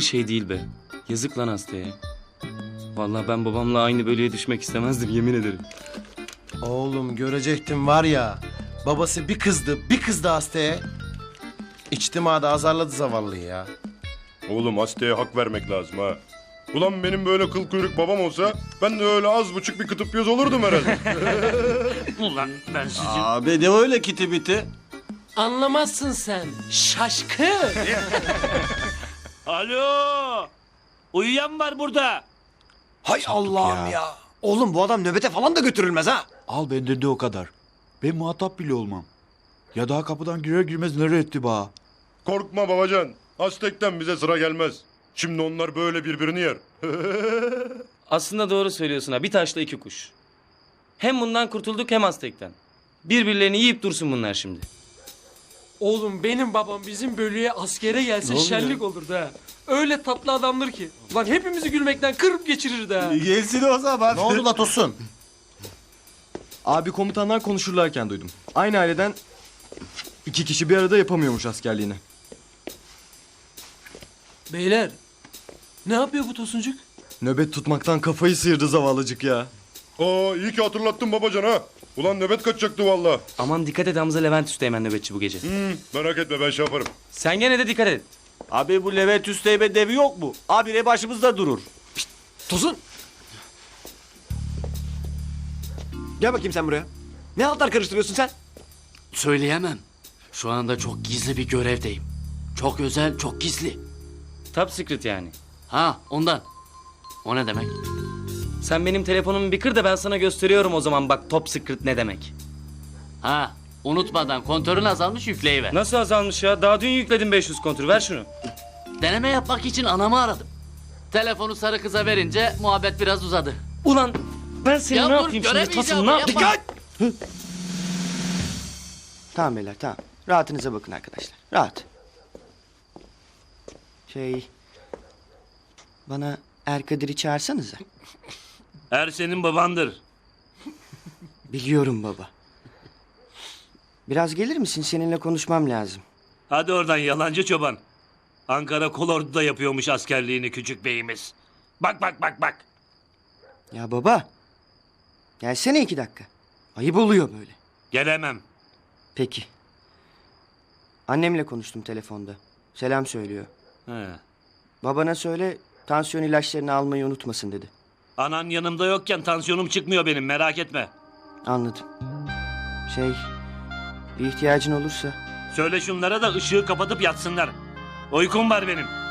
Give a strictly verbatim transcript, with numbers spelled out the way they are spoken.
şey değil be. Yazık lan hastaya. Vallahi ben babamla aynı bölüye düşmek istemezdim yemin ederim. Oğlum görecektin var ya. Babası bir kızdı bir kızdı hastaya. İçtimada azarladı zavallıyı ya. Oğlum hastaya hak vermek lazım ha. Ulan benim böyle kıl kuyruk babam olsa ben de öyle az buçuk bir kıtıp göz olurdum herhalde. Ulan ben sizin... Abi de öyle kiti biti. Anlamazsın sen. Şaşkın. Alo! Uyuyan var burada. Hay Allah'ım ya. ya. Oğlum bu adam nöbete falan da götürülmez ha. Al bende de o kadar. Ben muhatap bile olmam. Ya daha kapıdan girer girmez nereye etti ba? Korkma babacan. Aztek'ten bize sıra gelmez. Şimdi onlar böyle birbirini yer. Aslında doğru söylüyorsun ha. Bir taşla iki kuş. Hem bundan kurtulduk hem Aztek'ten. Birbirlerini yiyip dursun bunlar şimdi. Oğlum benim babam bizim bölüye askere gelse şenlik olurdu ha. Öyle tatlı adamdır ki. Lan hepimizi gülmekten kırıp geçirirdi ha. Gelsin o zaman. Ne oldu la Tosun? Abi komutanlar konuşurlarken duydum. Aynı aileden iki kişi bir arada yapamıyormuş askerliğini. Beyler. Ne yapıyor bu Tosuncuk? Nöbet tutmaktan kafayı sıyırdı zavallıcık ya. Aa iyi ki hatırlattın babacan ha. Ulan nöbet kaçacaktı valla. Aman dikkat et Hamza Levent Üsteğmen nöbetçi bu gece. Hmm, merak etme ben şey yaparım. Sen gene de dikkat et. Abi bu Levent Üsteğmen devi yok mu? Abi ne başımızda durur. Tosun. Gel bakayım sen buraya. Ne altlar karıştırıyorsun sen? Söyleyemem. Şu anda çok gizli bir görevdeyim. Çok özel, çok gizli. Top secret yani. Ha, ondan. O ne demek? Sen benim telefonumu bir kır da ben sana gösteriyorum o zaman bak top secret ne demek. Ha, unutmadan kontörün azalmış yükleyiver. Nasıl azalmış ya? Daha dün yükledim beş yüz kontür. Ver şunu. Deneme yapmak için anamı aradım. Telefonu sarı kıza verince muhabbet biraz uzadı. Ulan ben seni Ya ne dur, yapayım şimdi? göremeyeceğim, Tasım ne yapayım? yapma. Tamam beyler tamam. Rahatınıza bakın arkadaşlar. Rahat. Şey... Bana Erkadir'i çağırsanıza. Er senin babandır. Biliyorum baba. Biraz gelir misin? Seninle konuşmam lazım. Hadi oradan yalancı çoban. Ankara Kolordu'da yapıyormuş askerliğini küçük beyimiz. Bak bak bak bak. Ya baba. Gelsene iki dakika. Ayıp oluyor böyle. Gelemem. Peki. Annemle konuştum telefonda. Selam söylüyor. He. Babana söyle tansiyon ilaçlarını almayı unutmasın dedi. Anan yanımda yokken tansiyonum çıkmıyor benim, merak etme. Anladım. Şey, bir ihtiyacın olursa Söyle şunlara da ışığı kapatıp yatsınlar. Uykum var benim.